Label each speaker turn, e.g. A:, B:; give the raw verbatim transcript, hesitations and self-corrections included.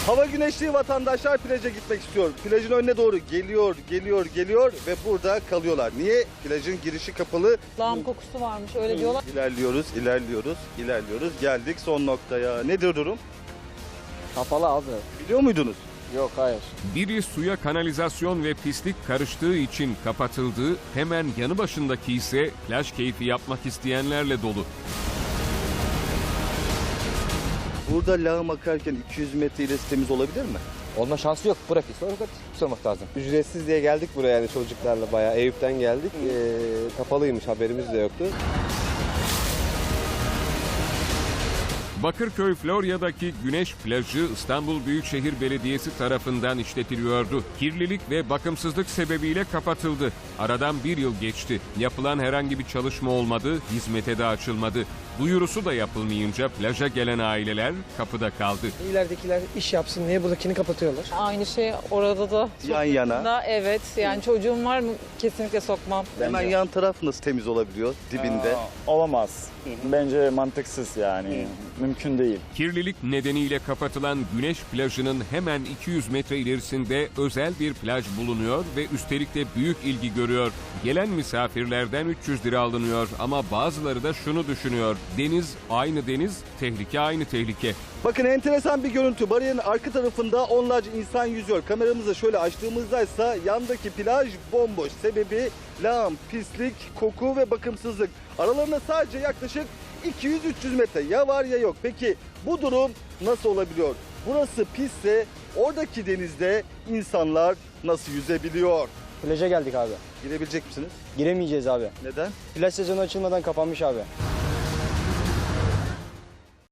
A: Hava güneşli, vatandaşlar plaja gitmek istiyor. Plajın önüne doğru geliyor, geliyor, geliyor ve burada kalıyorlar. Niye? Plajın girişi kapalı.
B: Lağım kokusu varmış öyle diyorlar.
A: İlerliyoruz, ilerliyoruz, ilerliyoruz. Geldik son noktaya. Nedir durum?
C: Kapalı abi.
A: Biliyor muydunuz?
C: Yok hayır.
D: Biri suya kanalizasyon ve pislik karıştığı için kapatıldı, hemen yanı başındaki ise plaj keyfi yapmak isteyenlerle dolu.
A: Burada lağım akarken iki yüz metre ilerisi temiz olabilir mi?
C: Olma şansı yok. Bırak sonra sormak lazım. Ücretsiz diye geldik buraya yani çocuklarla bayağı. Eyüp'ten geldik. Ee, kapalıymış, haberimiz de yoktu.
D: Bakırköy Florya'daki Güneş Plajı İstanbul Büyükşehir Belediyesi tarafından işletiliyordu. Kirlilik ve bakımsızlık sebebiyle kapatıldı. Aradan bir yıl geçti. Yapılan herhangi bir çalışma olmadı, hizmete de açılmadı. Duyurusu da yapılmayınca plaja gelen aileler kapıda kaldı.
E: İleridekiler iş yapsın diye buradakini kapatıyorlar.
B: Aynı şey orada da.
A: Yan yana.
B: Da, evet yani çocuğum var mı kesinlikle sokmam.
A: Hemen yan taraf nasıl temiz olabiliyor dibinde?
F: Aa, olamaz. Bence mantıksız yani. Mümkün değil.
D: Kirlilik nedeniyle kapatılan Güneş Plajı'nın hemen iki yüz metre ilerisinde özel bir plaj bulunuyor ve üstelik de büyük ilgi görüyor. Gelen misafirlerden üç yüz lira alınıyor ama bazıları da şunu düşünüyor. Deniz aynı deniz, tehlike aynı tehlike.
A: Bakın enteresan bir görüntü. Bariyerin arka tarafında onlarca insan yüzüyor. Kameramızı şöyle açtığımızda ise yandaki plaj bomboş. Sebebi lağım, pislik, koku ve bakımsızlık. Aralarında sadece yaklaşık iki yüz üç yüz metre ya var ya yok. Peki bu durum nasıl olabiliyor? Burası pisse oradaki denizde insanlar nasıl yüzebiliyor?
C: Plaja geldik abi.
A: Girebilecek misiniz?
C: Giremeyeceğiz abi.
A: Neden?
C: Plaj sezonu açılmadan kapanmış abi.